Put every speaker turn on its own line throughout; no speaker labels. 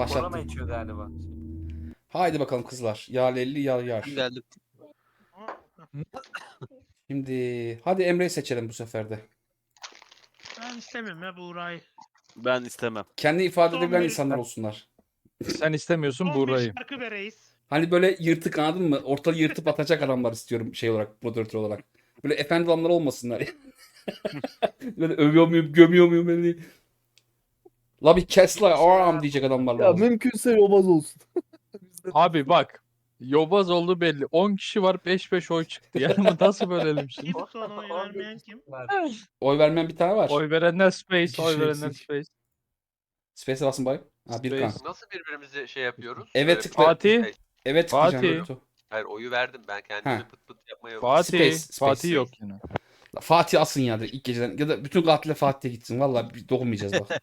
Korona
Başlattım.
içiyor galiba.
Haydi bakalım kızlar. Ya Lelli ya Yar.
Geldim.
Şimdi hadi Emre'yi seçelim bu sefer de.
Ben istemiyorum ya Buğra'yı.
Ben istemem.
Kendi ifade
Son
edebilen
bir-
insanlar olsunlar.
Sen istemiyorsun
Son bir
Buğra'yı.
şarkı be reis.
Hani böyle yırtık, anladın mı? Ortalığı yırtıp atacak adamlar istiyorum şey olarak, moderatör olarak. Böyle efendi adamlar olmasınlar. Böyle övüyor muyum, gömüyor muyum beni? La bir kes la aram diyecek adamlar
Ya
lazım.
mümkünse yobaz olsun. Bizden-
Abi bak. Yobaz oldu belli. 10 kişi var 5-5 oy çıktı. Yani bu nasıl bölelim şimdi?
Kim son oy vermeyen kim?
Oy vermeyen bir tane var.
Oy verenler Space,
kişi
oy verenler
eksik.
Space.
Space'e basın bay. Ha bir kan.
Space.
Nasıl birbirimizi şey yapıyoruz?
Evet tıkla.
Fatih.
Evet tıklayacağım.
Fatih.
Batu.
Hayır oyu verdim ben kendimi
Ha.
pıt pıt yapmaya
Fatih.
Space.
Fatih yok yine.
Fatih asın ya direkt ilk geceden. Ya da bütün katile Fatih'e gitsin. Vallahi bir dokunmayacağız bak.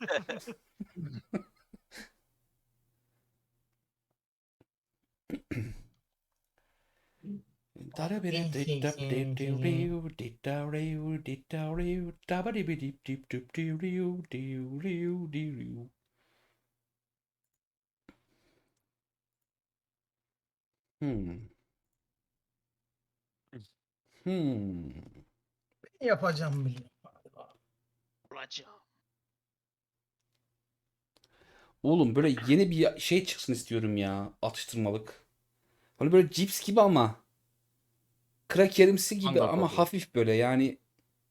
Hmm. Hmm.
Yapacağım biliyorum.
Olacağım.
Oğlum böyle yeni bir şey çıksın istiyorum ya. Atıştırmalık. Hani böyle cips gibi ama krakerimsi gibi
Manga
ama
tadı.
hafif böyle yani.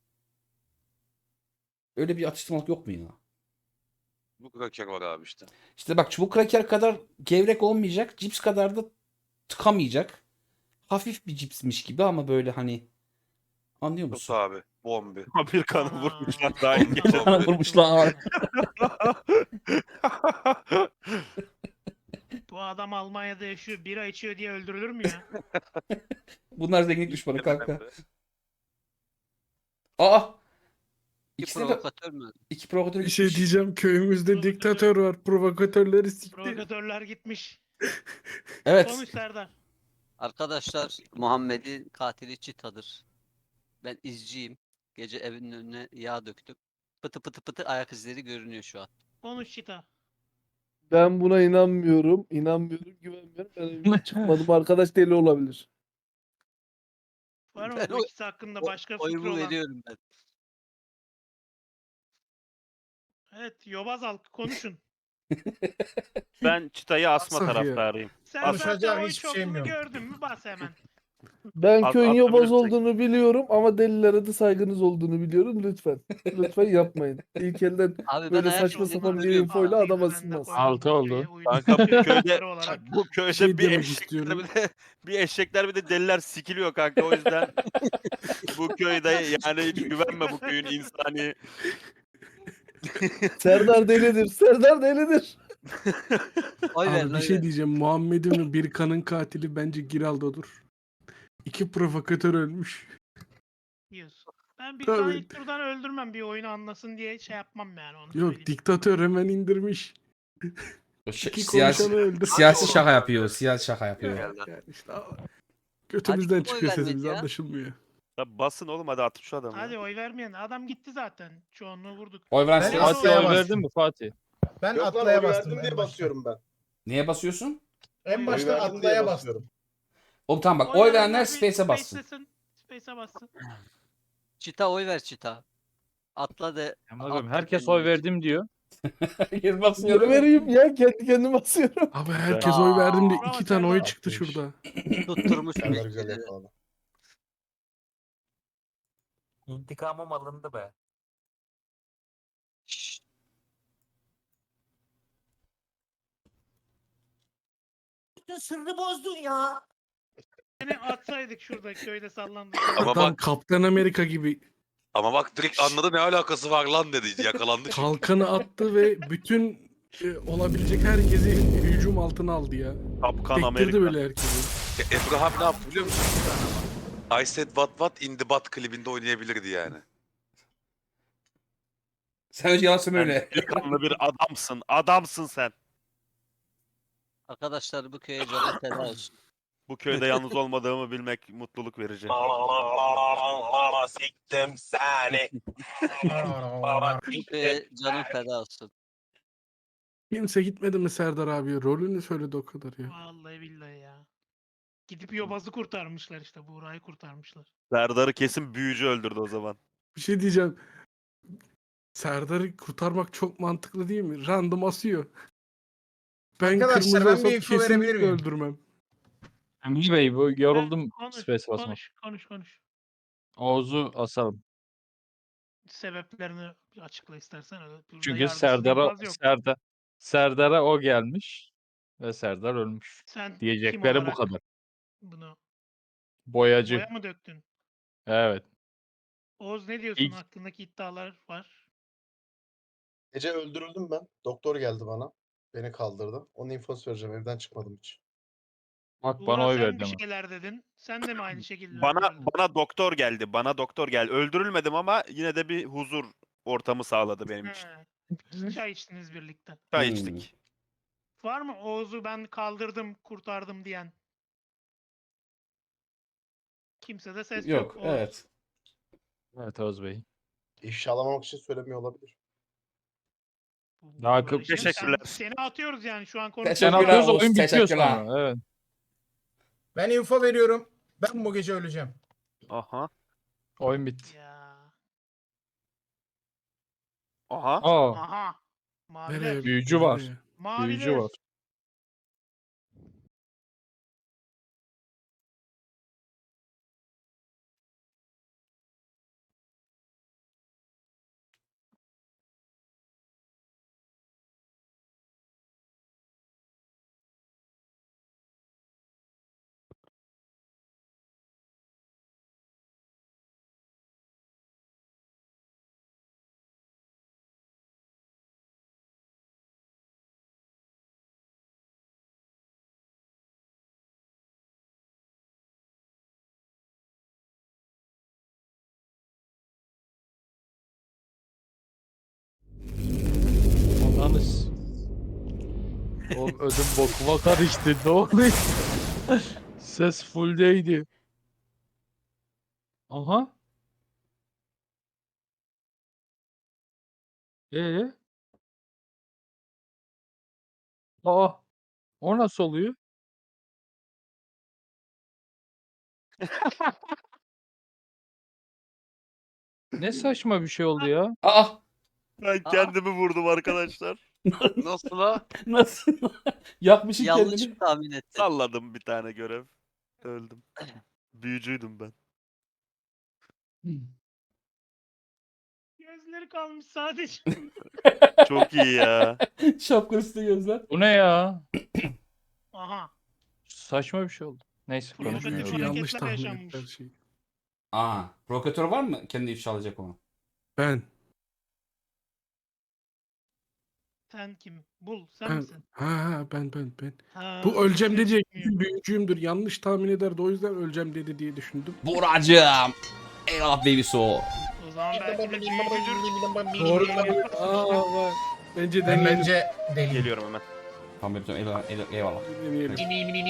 Öyle bir atıştırmalık yok mu ya?
Bu kraker var abi işte.
İşte bak çubuk kraker kadar gevrek olmayacak. Cips kadar da tıkamayacak. Hafif bir cipsmiş gibi ama böyle hani. Anlıyor
Sus
musun?
abi. Bombi. Bir kanı
Aa.
vurmuşlar daha iyi.
Bana vurmuşlar.
Bu adam Almanya'da yaşıyor, bira içiyor diye öldürülür mü ya?
Bunlar zenginlik düşmanı kanka. Aa!
Bir
İkisi de
provokatör mü?
iki provokatör
Bir şey
gitmiş.
diyeceğim. Köyümüzde diktatör var. Provokatörleri sikti.
Provokatörler gitmiş.
Evet.
Konuş Serdar.
Arkadaşlar Muhammed'in katili Çita'dır. Ben izciyim. Gece evinin önüne yağ döktüm. Pıtı pıtı pıtı ayak izleri görünüyor şu an.
Konuş Çita.
Ben buna inanmıyorum. İnanmıyorum, güvenmiyorum. Ben evimden çıkmadım. Arkadaş deli olabilir.
Var mı
Ben
bu ikisi hakkında başka fikri
Oyumu
olan?
veriyorum ben.
Evet, yobaz halkı konuşun.
Ben çıtayı asma
Asah ya.
taraftarıyım.
Sen
Konuşacak
zaten oy
hiçbir şeyim
çokluğunu
yok.
gördün mü bas hemen.
Ben köyün yobaz
atabilirsek.
olduğunu biliyorum ama delilere de saygınız olduğunu biliyorum. Lütfen. Lütfen yapmayın. İlk elden
Abi ben
böyle
ayak
saçma
izlerimi
sapan bir
görüyorum.
infoyla
Ağzıyla
adam
ben de
asılmaz.
koydum
Altı
bu
oldu.
köye uygun
Kanka bu köyde
çocukları olarak.
bu köyde
Şey
bir
demek
eşekler
istiyorum.
bir eşekler bir de deliler sikiliyor kanka o yüzden bu köyde yani hiç güvenme bu köyün insani.
Serdar delidir. Serdar delidir.
Oy ver
Abi bir
oy
şey
ver.
diyeceğim. Muhammed'in ve bir kanın katili bence Giraldo'dur. İki provokatör ölmüş.
Diyorsun. Ben bir
Tabii.
tane ilk turdan öldürmem bir oyunu anlasın diye şey yapmam yani onu
Yok
söyleyeyim.
diktatör hemen indirmiş. İki
Siyasi,
konuşanı öldür.
siyasi şaka yapıyor. Siyasi şaka yapıyor.
Yani işte götümüzden
Hadi kim oy
çıkıyor
vermedi
sesimiz
ya?
anlaşılmıyor.
Ya basın oğlum hadi atın şu adamı.
Hadi
ya.
oy vermeyen adam gitti zaten. Çoğunluğu vurduk.
Oy veren
Ben
siz.
Fatih,
Fatih
Asla'ya
oy
bastım.
verdin mi Fatih?
Ben
Yok lan
Atlay'a
oy
bastım
verdim diye
en başta.
basıyorum ben.
Neye basıyorsun?
En
Oy
başta
verdim diye
Atlay'a bastım.
basıyorum.
Oğlum tamam bak oy verenler
bir
Space'e bassın.
Space'e bassın.
Çita oy ver Çita. Atla de.
Amına koyayım,
atla
herkes
kendini
oy
geç.
verdim diyor.
Herkes basmıyor
Niye
değil mi?
vereyim ya? Kendi kendime basıyorum.
Abi herkes oy verdim de
Bravo
iki tane oy
Serdar.
çıktı şurada.
Tutturmuş
Serdar güzel
bekçileri.
yakaladı.
İntikamım alındı be.
Şşş.
Bütün sırrı bozdun ya.
Seni atsaydık şurada köyde sallandık.
Ama
Adam
bak-
Kaptan Amerika gibi
Ama bak direkt anladı ne alakası var lan dedi yakalandı çünkü.
kalkanı attı ve bütün olabilecek herkesi hücum altına aldı ya.
Kapkan
Tektirdi
Amerika.
böyle herkesi.
Emre abi ne yaptı biliyor musun? I said what in the butt klibinde oynayabilirdi yani.
Sen önce yalan söyle öyle.
Delikanlı bir adamsın. Adamsın sen.
Arkadaşlar bu köye canı feda olsun.
Bu köyde yalnız olmadığımı bilmek mutluluk verici.
Siktim seni.
Bu köye canın feda olsun.
Kimse gitmedi mi Serdar abi? Rolünü söyledi o kadar ya.
Vallahi billahi ya. Gidip Yobaz'ı kurtarmışlar işte. Buğra'yı kurtarmışlar.
Serdar'ı kesin büyücü öldürdü o zaman.
Bir şey diyeceğim. Serdar'ı kurtarmak çok mantıklı değil mi? Random asıyor. Ben
Arkadaşlar,
kırmızı
ben
olsam
bir info verebilir
kesinlikle
miyim?
öldürmem.
Emre Bey bu yoruldum
Konuş,
space basmak.
konuş.
Oğuz'u asalım.
Sebeplerini bir açıkla istersen. Burada
Çünkü
yargısız infaz yok.
Serdar'a o gelmiş ve Serdar ölmüş.
Sen kim
Diyecekleri bu
olarak
kadar.
bunu
Boyacı.
boya mı döktün?
Evet.
Oğuz ne diyorsun?
İlk-
Hakkındaki iddialar var.
Gece öldürüldüm ben. Doktor geldi bana. Beni kaldırdı. Onun infosu vereceğim. Evden çıkmadım hiç.
Bak
Buğra
bana oy
sen
verdi
bir
ama.
şeyler dedin. Sen de mi aynı şekilde
Bana
öldürüldün?
bana doktor geldi. Bana doktor geldi. Öldürülmedim ama yine de bir huzur ortamı sağladı benim için.
He. Çay içtiniz birlikte.
Çay
Hmm.
içtik.
Var mı Oğuz'u ben kaldırdım, kurtardım diyen? Kimse de ses yok.
Yok,
Oğuz.
evet.
Evet Oğuz Bey.
İfşalamak için söylemiyor olabilir.
Daha
Böyle şey mi?
teşekkürler.
Seni atıyoruz yani şu an
Sen
konuşuyoruz.
Teşekkürler
atıyoruz
Oğuz,
oyun bitiyor
teşekkürler.
sonra. Evet.
Ben info veriyorum. Ben bu gece öleceğim.
Aha.
Oyun bitti.
Ya.
Aha.
Aa,
Aha. Maviler.
Nereye?
büyücü var.
Nereye?
Maviler.
Büyücü var. Ananız. Oğlum ödüm bokuma karıştı. Ne oluyor? Ses fulldeydi. Aha. Ee? Aa. O nasıl oluyor? Ne saçma bir şey oldu ya.
Aa!
Ben kendimi vurdum arkadaşlar.
Nasıl la?
Nasıl? Yakmışsın
Yanlış
kendini.
tahmin ettin.
Salladım bir tane görev. Öldüm. Büyücüydüm ben.
Gözleri kalmış sadece.
Çok iyi ya.
Şapka üstü gözler.
Bu ne ya?
Aha.
Saçma bir şey oldu. Neyse
Provokatif
Büyücü
konuşmayalım.
yanlış
hareketler
tahmin
yaşanmış.
etti her şeyi.
Aa, provokatör var mı? Kendi ifşa alacak onu.
Ben.
Sen kim? Bul. Sen
Ben.
misin?
Ben.
Ha,
Bu öleceğim
ses
diyecek.
çıkmıyor.
Büyücüyümdür. Yanlış tahmin ederdi. O yüzden öleceğim dedi diye düşündüm.
Buracığım. Eyvallah baby so.
O zaman belki de büyücüdür.
Doğru.
Aa, bak. Bence
Ben
deneyelim.
bence deliyim.
Geliyorum hemen.
Tamam baby eyvallah.
Deneyelim.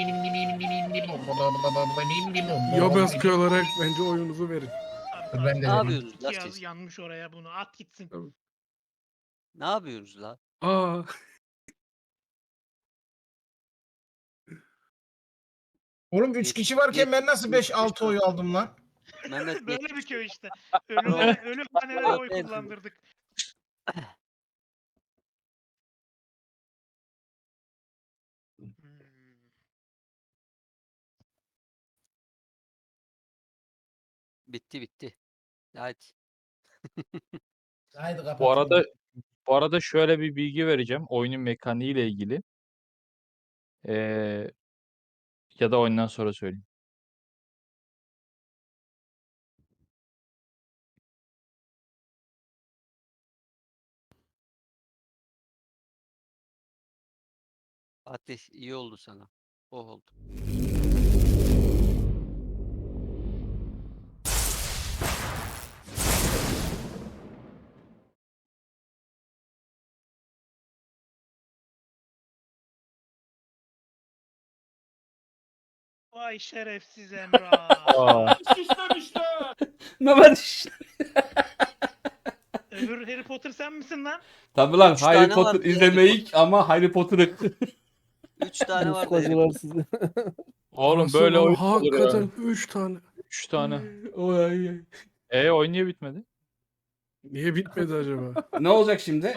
Yobaskı olarak bence oyunuzu verin.
Ben de
Ne
deliyim.
yapıyorsunuz la
Yaz
siz?
yanmış oraya bunu. At gitsin.
Ne yapıyorsunuz la?
Aa.
Oğlum 3 kişi varken ben nasıl 5-6 oy aldım lan?
Mehmet
Böyle bir köy işte. Ölü hanelere oy
Evet.
kullandırdık. Hmm.
bitti. Hadi.
Haydi kapat.
Bu arada şöyle bir bilgi vereceğim. Oyunun mekaniği ile ilgili. Ya da oyundan sonra söyleyeyim.
Fatih iyi oldu sana. O oldu.
Vay şerefsiz Emrah.
Aa.
Mehmet
Öbür Harry Potter sen misin lan?
Tabii lan
Üç
Harry
tane
Potter
vardı ya,
izlemeyik ama Harry Potter'ı.
3 tane vardı.
Ufkacılar sizi.
Oğlum
Nasıl
böyle
lan?
oyun olur ya.
Hakikaten 3 tane.
3 tane.
Oy, ay, ay.
Oyun niye bitmedi?
Niye bitmedi acaba?
Ne olacak şimdi?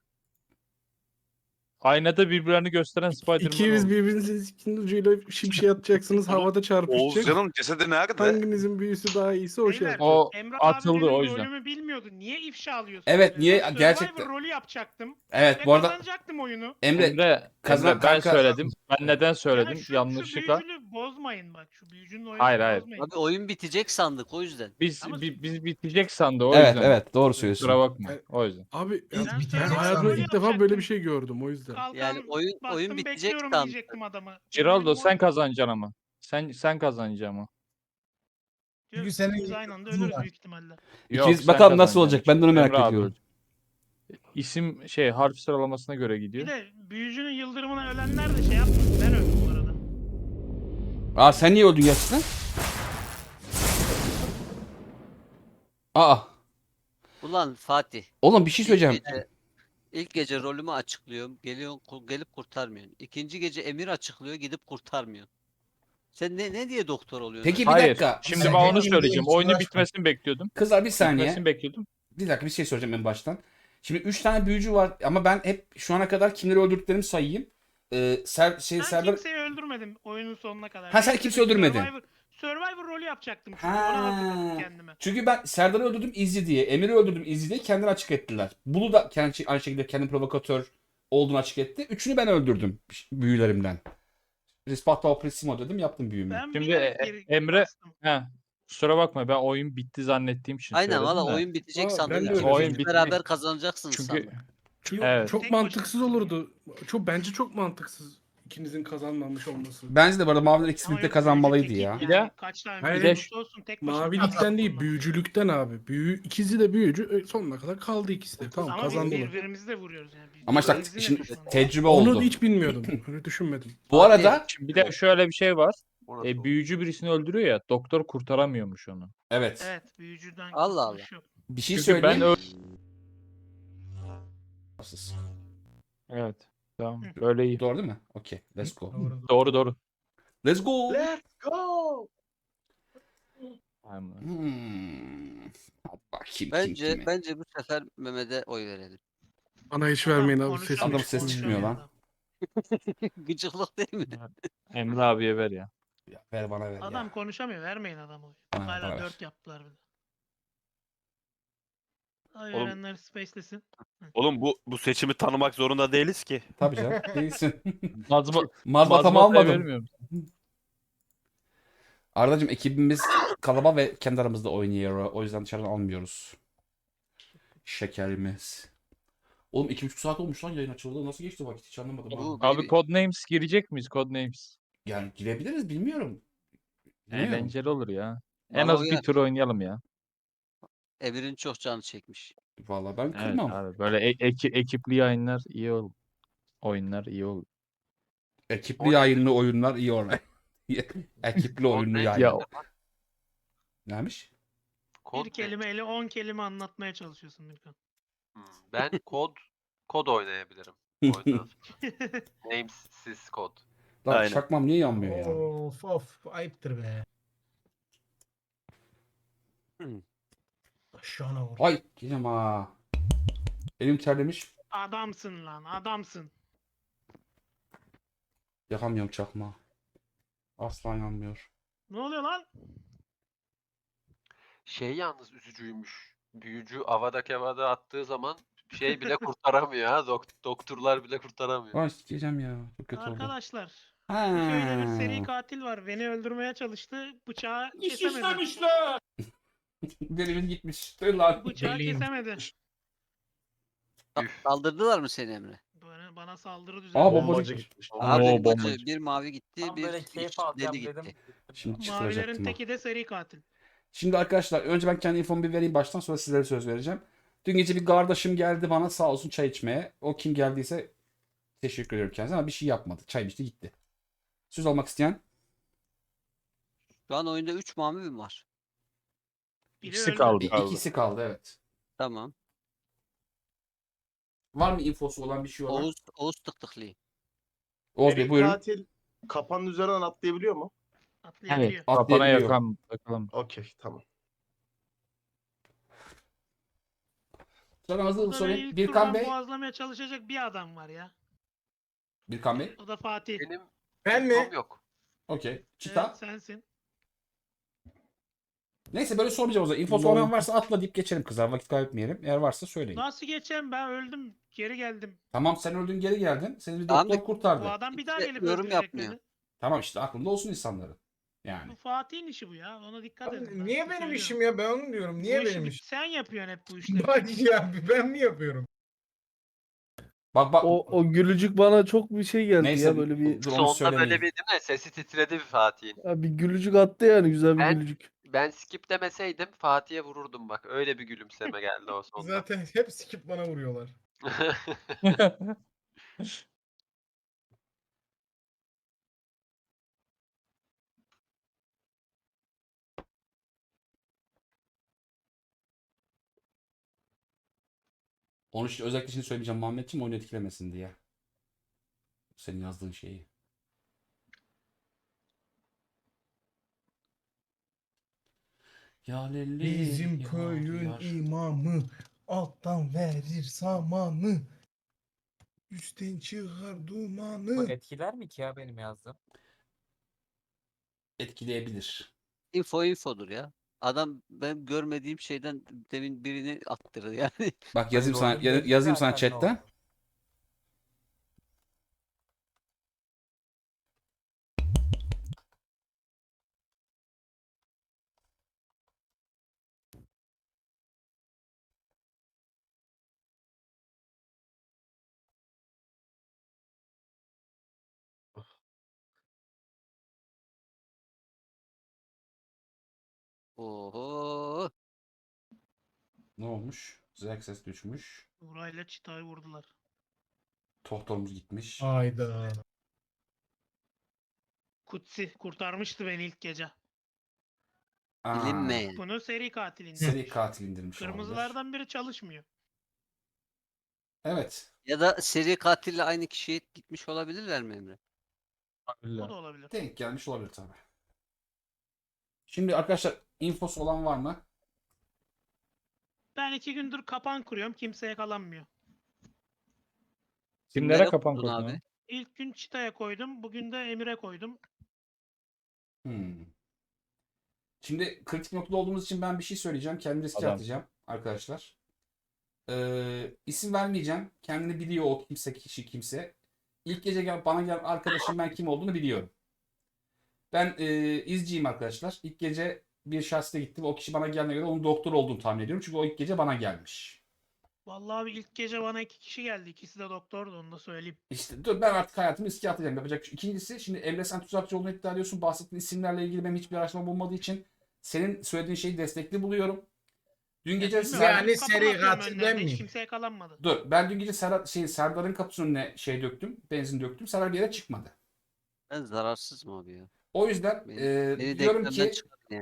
Aynada birbirlerini gösteren Spider-Man
İkiniz
oldu.
birbirinizin ucuyla şimşek atacaksınız. Havada çarpışacak.
Oğuzcan'ın cesedi nerede?
Hanginizin büyüsü daha iyiyse o şey
Beyler,
yapacak.
O
Emre
atıldı
abi
o
benim
yüzden.
rolümü bilmiyordu. Niye ifşa alıyorsun?
Evet,
böyle?
niye-
Ben
gerçekten.
Survivor rolü yapacaktım.
Evet
Ve
bu arada
kazanacaktım oyunu.
Emre kazan
Emre, ben
kanka.
söyledim. Ben neden söyledim?
Ya şu
Yanlışlıkla.
büyücülü bozmayın bak. Şu büyücünün oyunu
Hayır.
bozmayın.
Abi oyun bitecek sandık o yüzden.
Biz
Ama-
biz bitecek sandı o
Evet
yüzden.
evet doğru söylüyorsun.
Kusura bakma. O yüzden.
Abi
Ben
ben
söylesem
hayatımda
böyle
ilk defa böyle
yapacaktım.
bir şey gördüm o yüzden.
Kalkan
Yani oyun
bastım
bitecek
bekliyorum
sandık.
diyecektim adama.
Giraldo
Benim
sen
oyun-
kazanacaksın ama. Sen kazanacaksın ama.
Çünkü senin
İkimiz aynı anda ölürüz büyük ihtimalle.
İkimiz
sen
bakalım nasıl
kazanacaksın.
olacak, ben de onu merak
Emre abi
ediyorum.
ölecek. İsim harf sıralamasına göre gidiyor.
Bir de büyücünün yıldırımına ölenler de şey yapmadı. Ben öldüm bu arada.
Aa sen niye öldün gerçekten? Aa
Ulan Fatih.
oğlum bir şey söyleyeceğim.
İlk gece rolümü açıklıyorum. Gelip kurtarmıyorsun. İkinci gece Emir açıklıyor. Gidip kurtarmıyorsun. Sen ne diye doktor oluyorsun?
Peki bir
Hayır.
dakika.
Şimdi
Sen
ben onu
kendin
söyleyeceğim.
için
Oyunun
uğraşma.
bitmesini bekliyordum.
Kızlar bir saniye.
Bitmesini bekliyordum.
Bir dakika bir şey soracağım en baştan. Şimdi 3 tane büyücü var ama ben hep şu ana kadar kimleri öldürdüklerimi sayayım.
Ben
Serdar...
kimseyi öldürmedim oyunun sonuna kadar.
Ha, sen
Ben
kimseyi öldürmedin.
Survivor rolü yapacaktım çünkü ona hazırladım kendime.
Çünkü ben Serdar'ı öldürdüm Izzy diye, Emir'i öldürdüm Izzy diye kendini açık ettiler. Bulu da aynı şekilde kendi provokatör olduğunu açık etti. Üçünü ben öldürdüm büyülerimden. Rispetto Pressimo dedim, yaptım büyümü.
Ben
Şimdi
bilerek geri
Emre-
bastım.
Kusura bakma ben oyun bitti zannettiğim için
Aynen
söyledim
valla
de.
oyun bitecek
Aa,
sandım.
ben de
İkiniz
öyle
Oyun
de
bitti.
beraber kazanacaksınız
Çünkü
sandım.
Evet.
Çok
Tek
mantıksız
başına
olurdu. Bence çok mantıksız ikinizin kazanmamış olması.
Bence de bu arada maviler ikisi
Ama
birlikte
yok,
kazanmalıydı
büyücü
ya.
tekil
Bir de-
yani. Kaç tane
Hayır,
büyücü
bir de
olursa olsun tek başına
Mavilikten
kazanmak
değil,
zorunda.
büyücülükten abi. İkisi de büyücü. Sonuna kadar kaldı ikisi de. Tamam
Ama biz
kazandılar.
birbirimizi de vuruyoruz yani. Biz
Ama işte
birbirimizin de
şimdi
düşmanı.
tecrübe
Onu
oldu.
hiç bilmiyordum. Öyle düşünmedim.
Bu arada
Şimdi bir de şöyle bir şey var.
Orası oldu.
Büyücü birisini öldürüyor ya. Doktor kurtaramıyormuş onu.
evet,
Evet büyücüden
Allah
kurtuluş yok.
bir şey
Çünkü ben
söyleyeyim.
Evet. Tamam. Öyle iyi.
Doğru değil mi? Okey, let's go.
Doğru.
Let's go.
Let's go.
Tamam.
Hadi bakayım
Bence
kim?
bence bu sefer Mehmet'e oy verelim.
Bana hiç vermeyin abi.
Konuşamıyor,
Sesimi
Adam ses çıkmıyor lan.
Gıcıklık değil mi?
Emre abiye ver ya.
Ya, ver bana ver
Adam
ya.
konuşamıyor. Vermeyin adamı.
Bana ver,
Hala
bana ver.
4 yaptılar bir de. Ay
Oğlum-
verenler spacelesin.
Oğlum bu seçimi tanımak zorunda değiliz ki.
Tabii canım, değilsin.
Mazbata'yı
Mazbatamı almadım.
vermiyorum.
Ardacığım ekibimiz kalabalık ve kendi aramızda oynuyor. O yüzden dışarıdan almıyoruz. Şekerimiz. Oğlum 2,5 saat olmuş lan yayın açıldı. Nasıl geçti vakit hiç anlamadım. ha.
Bu
Abi
bir-
Codenames girecek miyiz Codenames?
Yani girebiliriz bilmiyorum. Bilmiyorum.
Eğlenceli olur ya. En
Bana
az bir
uyar.
tur oynayalım ya.
Emir'in çok canı çekmiş.
Vallahi ben
Evet
kırmam.
abi böyle ekipli yayınlar iyi olur. Oyunlar iyi olur.
Ekipli yayınlı oyunlar iyi oraya. Ekipli oyunlu
Codenames
yayın.
Ya
Neymiş?
Kod
Bir
ne?
kelimeyle 10 kelime anlatmaya çalışıyorsun Mirkan.
Ben kod oynayabilirim. Oyunda. Namesiz kod.
Lan
Aynen.
çakmam niye yanmıyor ya?
Of ayıptır be. Aşağına vur.
Ay gideceğim ha. Elim terlemiş.
Adamsın lan adamsın.
Yakamıyorum çakma. Asla yanmıyor.
Ne oluyor lan?
Şey yalnız üzücüymüş. Büyücü avada kevada attığı zaman şey bile kurtaramıyor ha. Doktorlar bile kurtaramıyor.
Ay gideceğim ya. Çok kötü oldu.
Arkadaşlar.
Ha.
Bu köyde bir seri katil var. Beni öldürmeye çalıştı. Bıçağı kesemedi.
Derimiz gitmiş. Dur lan.
Bıçağı kesemedi.
Kaldırdılar mı seni Emre?
Bana saldırı
Aa
düzenledi.
bombacı.
Abi
Oo,
bacı,
bombacı.
bir mavi gitti,
Tam
bir
böyle keyif
hiç
alacağım
deli
dedim.
gitti.
Şimdi
Mavilerin
çıtıracaktım ha.
teki de seri katil.
Şimdi arkadaşlar önce ben kendi infomu bir vereyim baştan sonra sizlere söz vereceğim. Dün gece bir kardeşim geldi bana sağ olsun çay içmeye. O kim geldiyse teşekkür ediyorum kendisine ama bir şey yapmadı. Çay içti gitti. Söz almak isteyen?
Şu an oyunda 3 mavi mi var?
Biri
İkisi
öldü.
kaldı.
İkisi kaldı evet.
Tamam.
Var mı infosu olan bir şey olan?
Oğuz tıktıklı.
Oğuz Bey
Seri
buyurun.
katil kapanın üzerinden atlayabiliyor mu?
Atlayabiliyor.
Kafana
Atlayabiliyor.
yakan bakalım.
Okey, tamam.
Sana hızlı
Burada beni
sorayım.
ilk
Birkan
turdan
Bey.
boğazlamaya çalışacak bir adam var ya.
Birkan Bey.
O da Fatih.
Benim
Ben
infom
mi?
yok.
Okey. Çita.
Evet sensin.
Neyse böyle sormayacağım o zaman. İnfosu olmayan varsa atla deyip geçelim kızlar. Vakit kaybetmeyelim. Eğer varsa söyleyin.
Nasıl geçeceğim ben öldüm. Geri geldim.
Tamam sen öldün geri geldin. Seni bir
Tamam da-
doktor kurtardı.
Bu adam bir daha
Kimse
gelip
yorum
öldürecek
yapmıyor.
beni.
Tamam işte aklında olsun insanların. Yani.
Bu Fatih'in işi bu ya. Ona dikkat edin. ben
Niye
size
benim
söylüyorum.
işim ya? Ben onu diyorum. Niye
Bu işi
benim
bir-
işim?
Sen yapıyorsun hep bu işleri.
Bak ya ben mi yapıyorum?
Bak.
O gülücük bana çok bir şey geldi
Neyse
ya, böyle bir
dur onu
Sonda
söylemeyin.
böyle bir değil mi? Sesi titredi bir Fatih'in.
ya bir gülücük attı yani, güzel bir
Ben-
gülücük.
Ben skip demeseydim Fatih'e vururdum bak. Öyle bir gülümseme geldi o sonda.
Zaten hep skip bana vuruyorlar.
Onu işte özellikle şimdi söyleyeceğim Muhammedciğim oyunu etkilemesin diye. Senin yazdığın şeyi. Ya Lelli,
Bizim
ya
köyün
diyar.
imamı alttan verir samanı. Üstten çıkar
Bu
dumanı.
etkiler mi ki ya benim yazdığım?
Etkileyebilir.
Infodur ya. Adam ben görmediğim şeyden demin birini attırdı yani.
Bak yazayım sana
rolün belli
yazayım sana
zaten ne
chatten.
olduğu.
Oho.
Ne olmuş? Zerk ses düşmüş.
Burayla çıtayı vurdular.
Doktorumuz gitmiş.
Hayda.
Kutsi kurtarmıştı beni ilk gece.
Aa,
Bilinmeyen.
Bunu seri katil indirmiş.
seri katil indirmiş olabilir.
Kırmızılardan biri çalışmıyor.
Evet.
Ya da seri katille aynı kişiye gitmiş olabilirler mi Emre?
O da olabilir.
Denk gelmiş olabilir tabii. Şimdi arkadaşlar infosu olan var mı?
Ben 2 gündür kapan kuruyorum. Kimse yakalanmıyor.
Kimlere kapan
kurdun
koydun
abi?
abi?
İlk gün Çita'ya koydum. Bugün de Emir'e koydum.
Şimdi kritik noktada olduğumuz için ben bir şey söyleyeceğim. Kendimi riske
Adam.
atacağım arkadaşlar. İsim vermeyeceğim. Kendini biliyor o kişi kimse. İlk gece bana gelen arkadaşım ben kim olduğunu biliyorum. Ben izciyim arkadaşlar. İlk gece bir şahsına gittim. O kişi bana gelene göre onun doktor olduğunu tahmin ediyorum. Çünkü o ilk gece bana gelmiş.
Vallahi abi ilk gece bana 2 kişi geldi. İkisi de doktordu, onu da söyleyeyim.
İşte dur ben artık hayatımı riske atacağım. Yapacak bir şey. İkincisi şimdi Emre sen tuzakçı olduğunu iddia ediyorsun. Bahsettiğin isimlerle ilgili benim hiçbir araştırma bulmadığı için senin söylediğin şeyi destekli buluyorum. Dün gece
Bilmiyorum,
Yani
ben kapan
seri
atıyorum
katil
önlerine,
ben
hiç
miyim?
kimse yakalanmadı.
Dur ben dün gece Serdar'ın kapısının önüne döktüm. Benzin döktüm. Serdar bir yere çıkmadı.
Ben zararsız mı abi ya?
O yüzden
Beni
diyorum
denklemden
ki
çıkardın yani.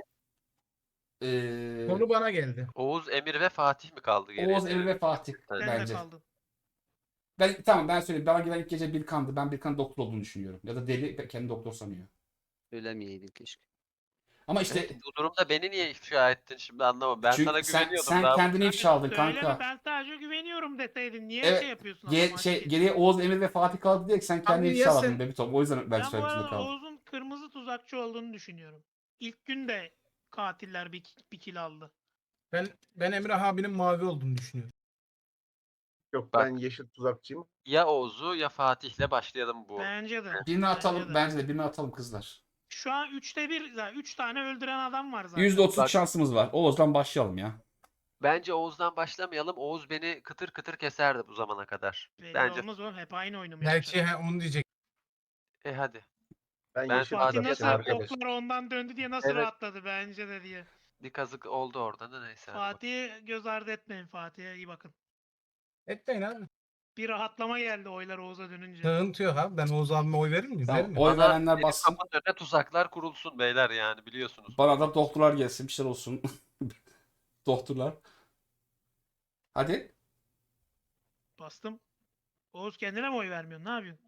Konu bana geldi.
Oğuz, Emir ve Fatih mi kaldı geriye?
Oğuz, Emre ve Fatih
Ben
Ben
bence.
de kaldım.
Tamam ben söyleyeyim. Bana gelen ilk gece Birkan'dı. Ben Birkan doktor olduğunu düşünüyorum. Ya da deli kendi doktor sanıyor.
Söylemeyeydin keşke.
Ama işte
Evet, bu durumda beni niye ifşa ettin şimdi anlamadım. Ben
çünkü
sana güveniyordum
sen
daha.
kendini ifşa aldın
Söyleme,
kanka.
ben sadece güveniyorum deseydin. Niye
Evet,
şey yapıyorsun? adamı ateş ediyorsun?
Geriye Oğuz, Emir ve Fatih kaldı diye sen kendini
Abi
ifşa
ya
aldın
sen-
Bebitom. O yüzden ben
Ben bu
söylemek zorunda
arada
kaldım.
Oğuz'un kırmızı tuzakçı olduğunu düşünüyorum. İlk gün de katiller bir kill aldı.
Ben Emre abinin mavi olduğunu düşünüyorum.
Yok,
Bak.
ben yeşil tuzakçıyım.
Ya Oğuz'u ya Fatih'le başlayalım bu.
Bence de.
Birini atalım.
Bence de.
Bence de birini atalım kızlar.
Şu an 3'te 1, 3 tane öldüren adam var zaten.
%30
Bak.
şansımız var. Oğuz'dan başlayalım ya.
Bence Oğuz'dan başlamayalım. Oğuz beni kıtır kıtır keserdi bu zamana kadar.
Belli
Bence.
olmaz oğlum. Hep aynı oyunu mu
Belki
yapacak?
onu diyecek.
Hadi.
Ben
Ben
yeşil
Fatih
Fatih
Fatih
nasıl
tuzakçıyım
abi.
arkadaş.
oklar ondan döndü diye nasıl
Evet.
rahatladı bence de diye.
Bir kazık oldu orada da neyse. hadi bakalım.
Fatih'i göz ardı etmeyin. Fatih'e iyi bakın.
Etmeyin abi.
Bir rahatlama geldi oylar Oğuz'a dönünce.
Sıkıntı yok abi. Ben Oğuz abime oy verir miyim?
Tamam,
Vermem.
oy
Bana
verenler
benim
bassın.
kapının önüne tuzaklar kurulsun beyler yani biliyorsunuz.
Bana da doktorlar gelsin. Bir şeyler olsun. Doktorlar. Hadi.
Bastım. Oğuz kendine mi oy vermiyorsun? Ne yapıyorsun?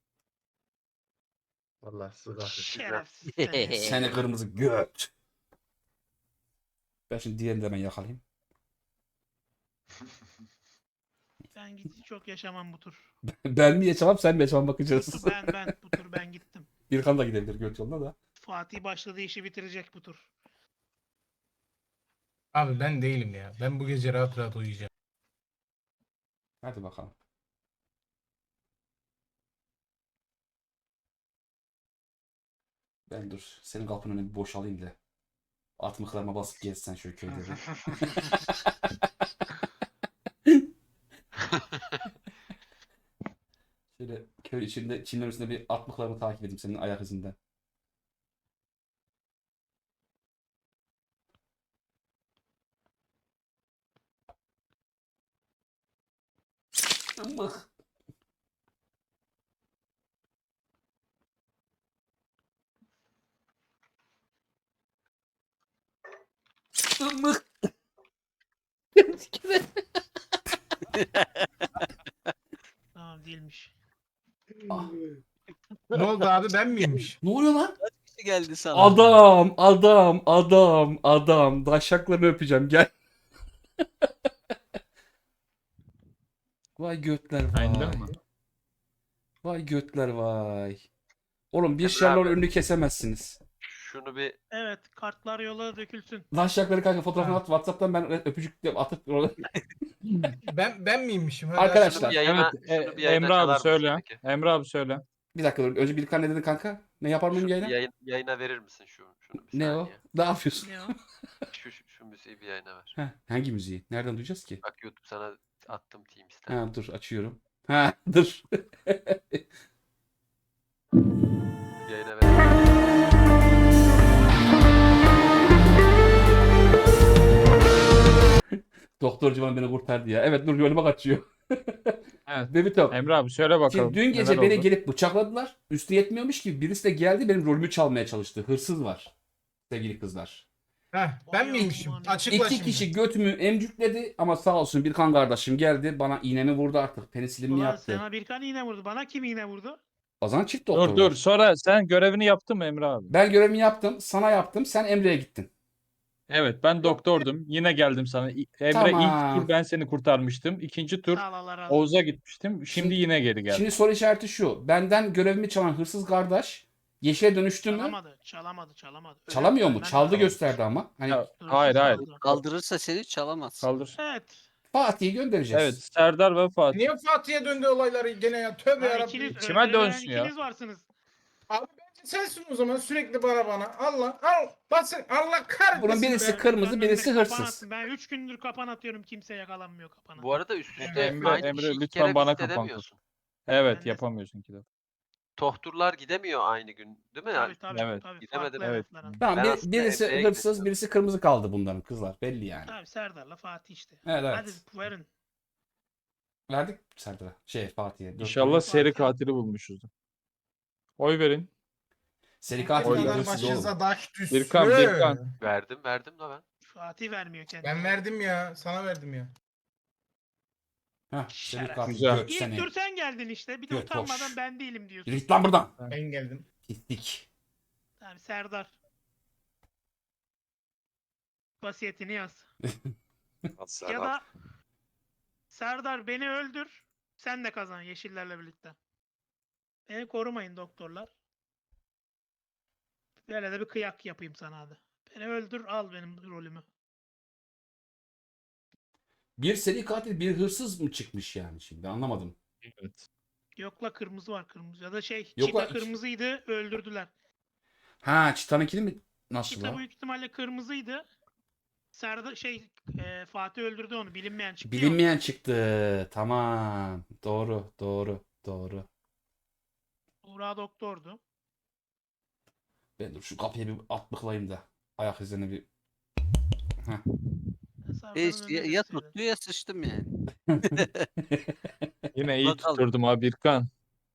Vallahi sizi kahretsin.
Şerefsiz seni.
Seni kırmızı göt. Ben şimdi diğerini de hemen yakalayayım.
Ben gitti çok yaşamam bu tur.
Ben mi yaşamam sen mi yaşamam bakacağız.
Ben bu tur ben gittim.
Birkan da gidebilir göt yoluna da.
Fatih başladığı işi bitirecek bu tur.
Abi ben değilim ya. Ben bu gece rahat rahat uyuyacağım.
Hadi bakalım. Ben dur. Senin kapının önüne bir boşalayım da. Atmıklarıma basıp gezsen şöyle köyde bir. Şöyle köy içinde çimlerin üstünde bir atmıklarımı takip edeyim senin ayak izinden. Amık. Amık.
Tamam değilmiş.
Ne oldu abi ben miymiş?
Ne oluyor lan?
Ne geldi sana?
Adam. Daşaklarını öpeceğim gel. Vay götler vay.
Aynen mi?
Vay götler vay. Oğlum bir
Emre
Sherlock'un
abi.
önünü kesemezsiniz.
Şunu bir
Evet kartlar yola dökülsün.
Daşakları kanka fotoğrafını
Ha.
at. WhatsApp'tan ben öpücük de atıp
Ben miymişim? Hadi
Arkadaşlar.
şunu bir yayına,
Evet,
şunu bir yayına
Emre abi
çalar mısın
söyle.
peki?
Emre abi söyle.
Bir dakika dur. Önce Birkan ne dedin kanka? Ne yapar mıyım
Şunu bir
yayına?
yayına verir misin şunu bir
Ne o?
saniye?
Ne yapıyorsun?
Ne o?
Şu müziği bir yayına ver.
Heh, hangi müziği? Nereden duyacağız ki?
Bak YouTube sana attım Teams'ten.
Ha dur açıyorum. Ha dur.
Bir yayına ver.
Doktor Civan beni kurtardı ya. Evet dur yoluma kaçıyor.
Evet.
Bebito.
Emre abi söyle bakalım.
Şimdi dün gece
neler
beni
oldu?
gelip bıçakladılar. Üstü yetmiyormuş gibi birisi de geldi benim rolümü çalmaya çalıştı. Hırsız var. Sevgili kızlar.
Heh, ben
Vay
miymişim?
Allah'ım.
Açıkla
İki
şimdi.
kişi götümü emcükledi ama sağ olsun Birkan kardeşim geldi bana iğnemi vurdu artık. Penisilimi
Ulan
yaptı.
sana Birkan iğne vurdu. Bana kim iğne vurdu?
O zaman çift doktor
Dur
var.
sonra sen görevini yaptın mı Emre abi?
Ben görevimi yaptım. Sana yaptım. Sen Emre'ye gittin.
Evet ben doktordum. Yine geldim sana. Emre
Tamam.
ilk tur ben seni kurtarmıştım. İkinci tur
Sağ ol, Allah razı olsun.
Oğuz'a gitmiştim. Şimdi
Şimdi-
yine geri geldim.
Şimdi soru işareti şu. Benden görevimi çalan hırsız kardeş yeşile dönüştü mü?
Çalamadı.
Çalamıyor mu?
Öyle
Çaldı
ben-
gösterdi ama. Hani
Ya,
Dur,
hayır hayır.
çaldı.
Kaldırırsa seni çalamaz.
Kaldır.
Evet.
Fatih'i göndereceğiz.
Evet Serdar ve Fatih.
Niye Fatih'e döndü olayları gene ya? Tövbe
Ha,
yarabbim.
ikiniz
İçime
öldürülen
dönsün ya.
ikiniz varsınız.
Abi bence sensin o zaman sürekli bana. Allah al. Basın Allah kahretsin.
Bunun birisi
be.
kırmızı,
Birkan'ın
birisi
önüne kapan
hırsız.
attım. Ben 3 gündür kapan atıyorum. Kimse yakalanmıyor kapana.
Bu arada üst üste
Emre,
aynı
Emre,
işi iki
lütfen
kere
bana
visit
kapan
edemiyorsun.
Evet
Ben de-
yapamıyorsun ki de.
Tohturlar gidemiyor aynı gün değil mi?
Tabii.
Evet.
Gidemedim.
Farklı
Evet.
hedefler ama.
Tamam
Ben
bir-
aslında
birisi
Emre'ye
hırsız,
gideceğim.
birisi kırmızı kaldı bunların kızlar. Belli yani.
Tabii Serdar'la Fatih işte.
Evet evet.
Hadi verin.
Verdik Serdar'a. Fatih'e. Dört
İnşallah
tane.
seri katili bulmuşuzdur. Oy verin.
Seri
Ne
katil
Oy
değil,
kadar
hırsız oğlum.
başınıza taş düşsün.
Birkan.
Verdim da ben.
Fatih vermiyor kendine.
Ben verdim ya. Sana verdim ya.
Heh, seri
Şeref.
katil.
Güzel.
Göt
İlk
seni.
tur sen geldin işte. Bir de
Göt
utanmadan
boş.
ben değilim diyorsun.
Yürü git lan buradan.
Ben geldim.
Gittik.
Tamam Serdar. Vasiyetini yaz. Ya da Serdar beni öldür. Sen de kazan yeşillerle birlikte. Beni korumayın doktorlar. Böyle de bir kıyak yapayım sana hadi. Beni öldür al benim rolümü.
Bir seri katil bir hırsız mı çıkmış yani şimdi anlamadım.
Evet.
Yokla kırmızı var kırmızı. Ya da şey
Yok
çita
lan,
kırmızıydı öldürdüler.
Ha Çitan'ınkini mi? Nasıl
Çita
la?
büyük ihtimalle kırmızıydı. Serdar Fatih öldürdü onu bilinmeyen çıktı. ya
Bilinmeyen çıktı. Tamam. Doğru.
ondan. Buğra doktordu.
Ben dur şu kapıya bir atlıklayayım da. Ayak izlerine bir. Heh.
Serdar'ın
Hiç,
önüne
ya
gösteriyor.
tuttu ya sıçtım yani.
Yine iyi
Bakalım.
tutturdum abi Birkan.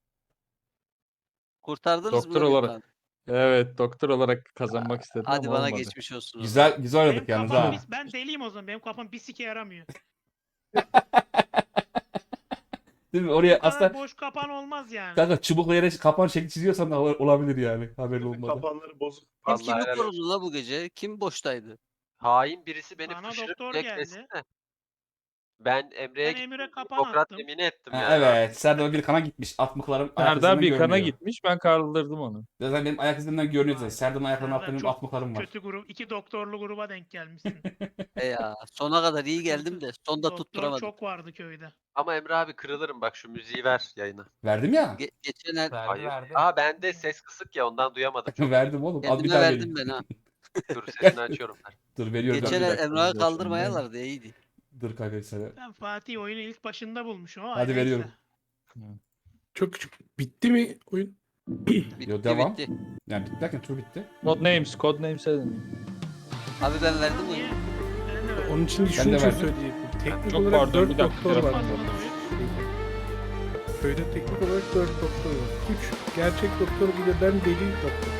Kurtardınız mı
Doktor
lan
olarak.
Birkan'ı?
Evet doktor olarak kazanmak istedim
Hadi
ama
bana
olmadı.
geçmiş olsun. o zaman.
Güzel güzel
Benim
oynadık yalnız
kafam
ha.
ben deliyim o zaman. Benim kafam bir sike yaramıyor.
Değil mi?
Bu
Oraya
kadar
aslında
boş kapan olmaz yani.
kanka çubukla yere kapan şekli çiziyorsan da olabilir yani. Haberin olmadan.
Kapanları bozuk.
Kim
Vallahi
kimi
helal olsun.
korudu la bu gece? Kim boştaydı?
Hain birisi beni
Bana
pışırıp
doktor
beklesin
geldi.
de. Ben Emre'ye
Ben
gittim.
Emir'e kapan
Hipokrat
attım.
yemini ettim
Ha,
yani.
evet. Serdar bir kana gitmiş. At mıklarım ayak
Serdar
izlerinden
bir kana
görünüyor.
gitmiş. Ben kaldırdım onu.
Zaten benim ayak izlerimden görünüyor zaten.
Vay.
Serdar'ın ayaklarının altında
Serdar
benim at
çok
mıklarım var.
kötü grup. 2 doktorlu gruba denk gelmişsin.
Ya sona kadar iyi geldim de sonda
Doktor
tutturamadım.
çok vardı köyde.
Ama Emre abi kırılırım bak şu müziği ver yayına.
Verdim ya.
Geçen el
Verdi
Hayır.
verdi.
Aa bende ses kısık ya ondan duyamadım çok.
Verdim oğlum. Al bir
kendime
daha
verdim
vereyim.
ben ha.
Dur sesini açıyorum. Ver.
Dur veriyorum.
Geçen
bir
el
dakika.
Emrah'ı kaldırmayalardı iyiydi.
Dur kanka sana.
Ben Fatih oyunu ilk başında bulmuşum ama
Hadi
neyse.
veriyorum.
Çok küçük. Bitti mi oyun?
Bitti
Yo, devam.
bitti.
Yani bitti derken tur bitti.
Codenames'e dönüyor.
Abi ben verdim onu.
Niye? Ben de verdim.
Onun için
de
şunu
verdim.
söyleyecektim. Teknik
Çok
olarak
pardon,
4
bir dakika,
doktor var.
Basmadı oyun.
Köyde teknik olarak 4 doktor var. 3 gerçek doktor bir de ben deli doktor.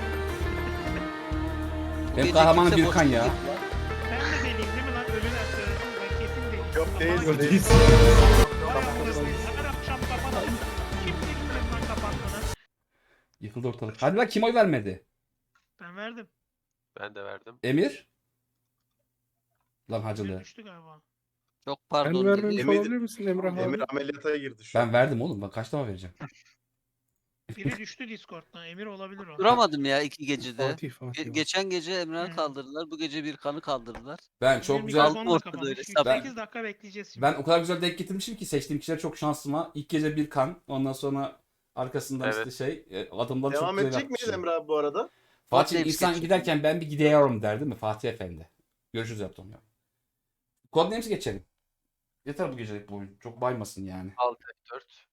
Bu
Benim
gece
kahramanım
kimse
Birkan
boş
ya.
değil lan.
Ben de deliyim değil mi lan? Ölüler söylesin. Ben kesin değilim.
Yok değil
Kapan-
değil.
Vay amına koyayım, her akşam kapatalım. Kim bilmez lan kapattığını?
Yıkıldı ortalık. Hadi lan kim oy vermedi?
Ben verdim.
Ben de verdim.
Emir? Lan
Bir
hacılı.
düştü galiba.
Çok
Sen
pardon.
vermemiş
Emir-
olabilir misin Emrah abi?
Emir ameliyata girdi şu an.
Ben verdim oğlum. Ben kaç defa vereceğim?
Biri düştü Discord'dan. Emir olabilir o.
Duramadım ya iki gecede.
Fatih.
Geçen gece Emrah'ı
Hı.
kaldırdılar. Bu gece bir kanı kaldırdılar.
Ben
Benim
çok güzel...
mikrofon da
Ortada
kapamış.
öyle
8 dakika bekleyeceğiz şimdi.
Ben o kadar güzel denk getirmişim ki seçtiğim kişiler çok şanslıma. İlk gece bir kan. Ondan sonra arkasından
Evet.
işte adımları çok
Devam
güzel
edecek miyiz
yapmışım.
Emre abi bu arada?
Fatih
Codenames
insan
geçecek.
giderken ben bir gidiyorum derdi mi Fatih Efendi? Görüşürüz yaptım ya. Codenames'i geçelim. Yeter bu gecelik bu oyun. Çok baymasın yani.
6 4.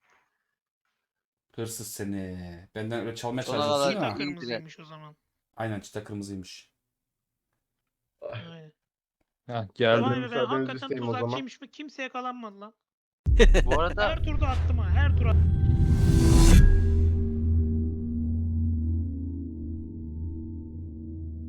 Hırsız seni. Benden öyle çalmaya
Ona
çalışıyorsun
kadar
ya.
Çita
iyi
kırmızıymış o zaman.
Aynen çıta kırmızıymış.
Aynen.
Ha, geldi.
Vay be ben
müsaadenizi
hakikaten
isteyeyim o zaman.
tuzakçıymış mı? Kimse yakalanmadı lan.
Bu arada
Her turda attım ha. Her tur attım.